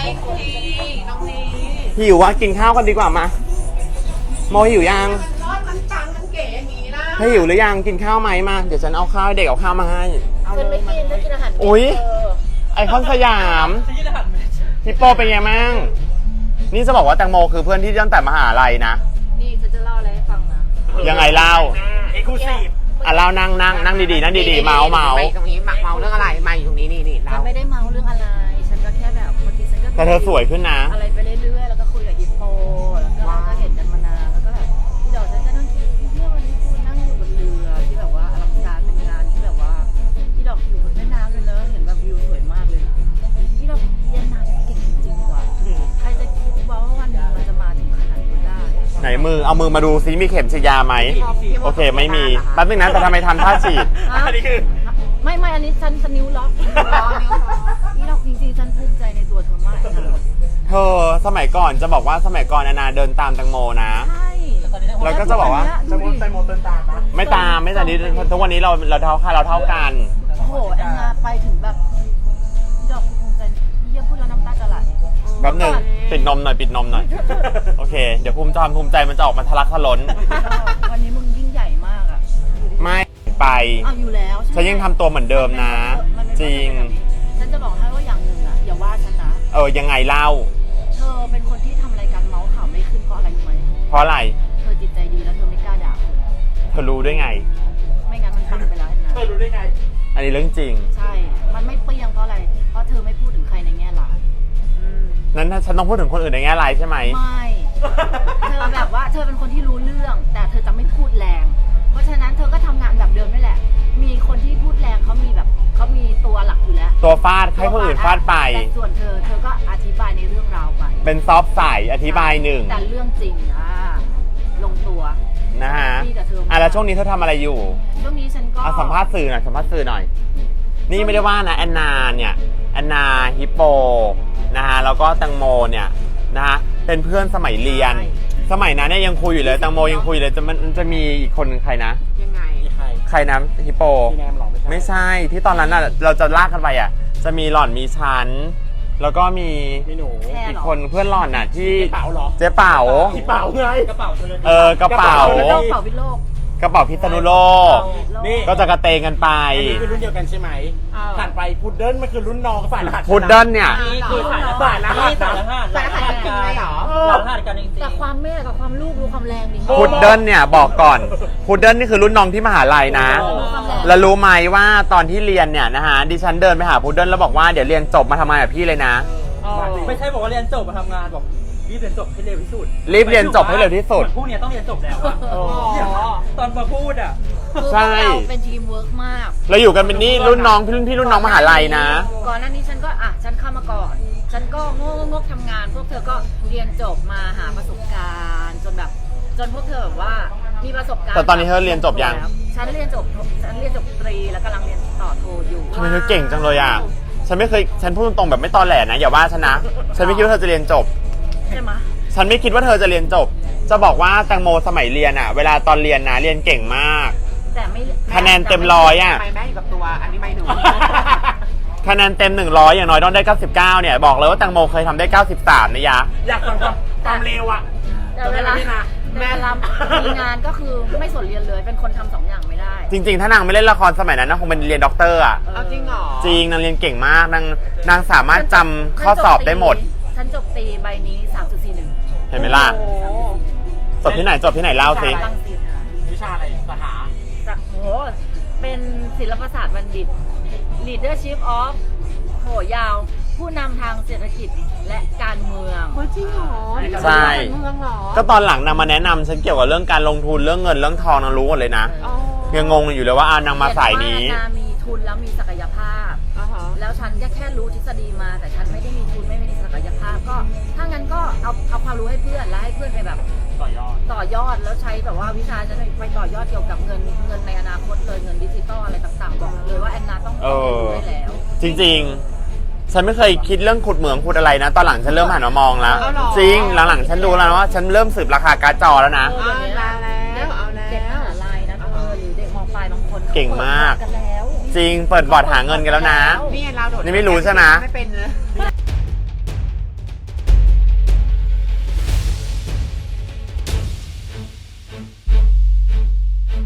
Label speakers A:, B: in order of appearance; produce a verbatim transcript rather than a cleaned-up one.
A: ดีน้องนี
B: หิววะกินข้าวกันดีกว่ามาโมหิวยัง
A: มันรอดมันปังมันเก๋อย่างนี้นะ
B: ถ้าหิวหรือยังกินข้าวไหมมาเดี๋ยวฉันเอาข้าวเด็กเอาข้าวมาให้
C: ฉันไม่กินฉันกินอาหารเม็ด
B: อุ้ยไอคอนสยามฮิปโปเป็นไงมั่งนี่จะบอกว่าแตงโมคือเพื่อนที่ตั้งแต่มหาลัยนะ
C: นี่ฉันจะเล่าอะไรให้ฟังนะ
B: ยังไงเล่า
A: เอ็กซ์คลูซีฟ
B: อ่ะเล่านั่งนั่งนั่งดีๆนั่งดีๆเมาเมา
A: ตรงนี้หมักเมาเรื่องอะไรมาอยู่ตรงนี้นี่นี่
C: ฉันไม่ได้เมาเรื่องอะไรฉันก็แค่แบบบางทีฉันก็
B: แต่เธอสวยขึ้นนะ
C: อะไรไปเรื่อยๆแล้วก็คุยกับฮิปโปแล้วก็ก็เห็นกันมานานแล้วก็แบบเดี๋ยวฉันจะนั่งคิดเมื่อวันนี้คุณนั่งอยู่บนเรือที่แบบว่าอลังการเป็นงานที่แบบว่าที่ดอกอยู่บนแม่น้ำเลยเนอะเห็นแบบวิวสวยมากเลยที่ดอกเรียนนางเก่งจริงๆว่ะใครจะคิดว่าวันหนึ่งมันจะมาถึงขนาดนี้ได้
B: ไหนมือเอามือมาดูซิมีเข็มฉีดยาไหมโอเคไม่มีแป๊บนึงนะแต่ทำไมทำท่าฉีด
A: อันนี้คือ
C: ไม่ไม่อันนี้ฉันฉันนิ้วล็อกนี่เราจริงๆฉันภูมิใจในตัวเธอมากนะ
B: เธอสมัยก่อนจะบอกว่าสมัยก่อนนานาเดินตามแตงโมนะ
C: ใช่
B: แล้วก็จะบอกว่า
A: แตงโมแตงโมเดินตามนะ
B: ไม่ตามไม่ตามนี้ทุกวันนี้เราเราเท่าค่าเราเท่ากัน
C: โอ้โหแอนนาไปถึงแบบดอกภูมิใจเยี่ยมพูดแล้วน้ำตาจะไหล
B: แป๊บนึงปิดนมหน่อยปิดนมหน่อยโอเคเดี๋ยวภูมิใจภูมิใจมันจะออกมาทะลักทะล้น
C: วันนี้มึงยิ่งใหญ่มากอ่ะ
B: ไม่ไป
C: เอาอยู่แล้ว
B: ฉันยังทำตัวเหมือนเดิมนะจริง
C: ฉันจะบอกให้ว่าอย่างหนึ่งอ่ะอย่าว่าฉันนะ
B: เออยังไงเล่า
C: เธอเป็นคนที่ทำรายการเมาส์ข่าวไม่ขึ้นเพราะอะไรรู้ไหม
B: เพราะอะไร
C: เธอจิตใจดีแล้วเธอไม่กล้าด่า
B: เธอรู้ได้ไง
C: ไม่งั้นมันปังไปแล้วนะ
A: เธอรู้ได้ไง
B: อันนี้เรื่องจริง
C: ใช่มันไม่เปรี้ยงเพราะอะไรเพราะเธอไม่พูดถึงใครในแง่ร้าย
B: นั้นฉันต้องพูดถึงคนอื่นในแง่ร้ายใช่ไหม
C: ไม่เธอแบบว่าเธอเป็นคนที่รู้เรื่องแต่เธอจะไม่พูดแรงเพราะฉะนั้นเธอก็ทำงานแบบเดิมนี่แหละมีคนที่พูดแรงเขามีแบบเขามีตัวหลักอยู่แล้ว
B: ตัวฟาดให้คนอื่นฟาดไป
C: แต่ส่วนเธอเธอก็อธิบายในเรื่องราวไป
B: เป็นซอฟต์ใส่อธิบายหนึ่ง
C: แต่เรื่องจริงอ่ะลงตัว
B: นะฮะอ่ะแล้วช่วงนี้เธอทำอะไรอยู่
C: ช่วงนี้ฉันก็
B: สัมภาษณ์สื่อหน่อยสัมภาษณ์สื่อหน่อยนี่ไม่ได้ว่านะแอนนาเนี่ยแอนนาฮิปโปนะฮะแล้วก็แตงโมเนี่ยนะฮะเป็นเพื่อนสมัยเรียนสมัยนั้นเนี่ยยังคุยอยู่เลยแตงโมยังคุยเลยจะมันจะมีอีกคนนึงใครนะ
A: ยังไง
B: ใครใครนะฮิปโปไม่ใช่ที่ตอนนั้นน่ะเราจะลากกันไปอ่ะจะมีหล่อนมีชั้นแล้วก็มีอีกคนเพื่อนหล่อนน่ะที่
A: เป๋าหรอ
B: เจ๊เป๋า
A: เป๋าไงกระเป๋า
B: เออกระเป๋าก
C: ระเป๋าพิโลก
B: กระเป๋าพิษณุโลกก็จะกระเตงกันไป
A: อันนี้คือรุ่นเดียวกันใช่ไหมผ่านไปพุดเดิ้ลมันคือรุ่นน้องฝ่ายรหัส
B: พุดเดิ้ลเนี่ย
A: คือฝ่ายรหัสฝ่ายรหัสฝ่ายรหัสกันเหรอรหัสกันจริงๆ
C: แต่ความแม่กับความลูกดูความแรงดิ
B: พุดเดิ้ลเนี่ยบอกก่อนพุดเดิ้ลนี่คือรุ่นน้องที่มหาลัยนะแล้วรู้ไหมว่าตอนที่เรียนเนี่ยนะฮะดิฉันเดินไปหาพุดเดิ้ลแล้วบอกว่าเดี๋ยวเรียนจบมาทำงานกับพี่เลยนะ
A: ไม่ใช่บอกว่าเรียนจบมาทำงานบอกรีบเรียนจบให้เร็วที่สุด
B: รีบเรียนจบให้เร็วที่สุด
A: พวกนี้ต้องเรียนจบแล้วตอนมาพูดอ่ะ
C: ใช่เราเป็นทีมเวิร์กมาก
B: เราอยู่กันเป็นนี่รุ่นน้องพี่รุ่นพี่รุ่นน้องมหาลัยนะ
C: ก่อนหน้านี้ฉันก็อ่ะฉันเข้ามาก่อนฉันก็งกงกทำงานพวกเธอก็เรียนจบมาหาประสบการณ์จนแบบจนพวกเธอแบบว่ามีประสบการณ์
B: แต่ตอนนี้เธอเรียนจบยัง
C: ฉันเรียนจบฉันเรียนจบตรีแล้วกำลังเรียนต่อโทอยู่
B: ทำไมเธอเก่งจังเลยอ่ะฉันไม่เคยฉันพูดตรงแบบไม่ตอแหลนะอย่าว่าฉันนะฉันไม่คิดว่าเธอจะเรียนจบ
C: ใช่ไหม
B: ฉันไม่คิดว่าเธอจะเรียนจบจะบอกว่าแตงโมสมัยเรียนอ่ะเวลาตอนเรียนนะเรียนเก่งมาก
C: แต่ไม่
B: คะแนนเต็มร้อยอ่ะ
A: ไม่แม่อยู่กับตัวอันนี้ไม่หนู
B: คะแนนเต็มหนึ่งร้อยอย่างน้อยต้องได้เก้าสิบเก้าเนี่ยบอกเลยว่าแตงโมเคยทำได้เก้าสิบสามนะยะ
A: อยากฟังความเร็วอ่ะ
C: แต่เวลาแม่รับมีงานก็คือไม่สนเรียนเลยเป็นคนทำสองอย่างไม่ได้
B: จริงๆถ้านางไม่เล่นละครสมัยนั้นนางคงเป็นเรียนด็อกเตอร์อ่ะ
A: จริงเหรอ
B: จริงนางเรียนเก่งมากนางนางสามารถจำข้อสอบได้หมด
C: ฉันจบตีใบนี้ สามจุดสี่หนึ่ง
B: เห็นไหมล่ะจบที่ไหนจบที่ไหนเล่าสิ
A: วิชาอะไรสาขา
C: จากโหเป็นศิลปศาสตร์บัณฑิต Leadership of โหยาวผู้นำทางเศรษฐกิจและการเมือง
A: จริงเหรอ
B: ใช่ก็ตอนหลังนางมาแนะนำฉันเกี่ยวกับเรื่องการลงทุนเรื่องเงินเรื่องทองนางรู้หมดเลยนะยังงงอยู่เลยว่าอ่านางมาสายนี้
C: มีทุนแล้วมีศักยภาพแล้วฉันแค่รู้ทฤษฎีมาแต่ฉันไม่ได้มีทุนไม่มีศักยภาพก็ถ้างั้นก็เอาเอาความรู้ให้เพื่อนแล้วให้เพื่อนไปแบบ
A: ต่อยอด
C: ต่อยอดแล้วใช้แบบว่าวิชาฉันไปต่อยอดเกี่ยวกับเงินเงินในอนาคตเลยเงินดิจิตอลอะไรต่างๆบอกเลยว่าแอนนาต้องรู้ได้แล้ว
B: จริงๆฉันไม่เคยคิดเรื่องขุดเหมืองขุดอะไรนะตอนหลังฉันเริ่มหันมามองแล้วจริงหลังๆฉันรู้แล้วว่าฉันเริ่มสืบราคาการ์ดจอแล้วนะ
C: เอาแล้วเอาแล้วเด็กมหาลัยนะเออหรือเด็กม.ปลายบางคน
B: เก่งมากจริงเปิดบอร์ดหาเงินกันแล้วนะ
A: นี่เราโดด
B: นี่ไม่รู้ใช่ไหม
A: ไม่เป็นเลย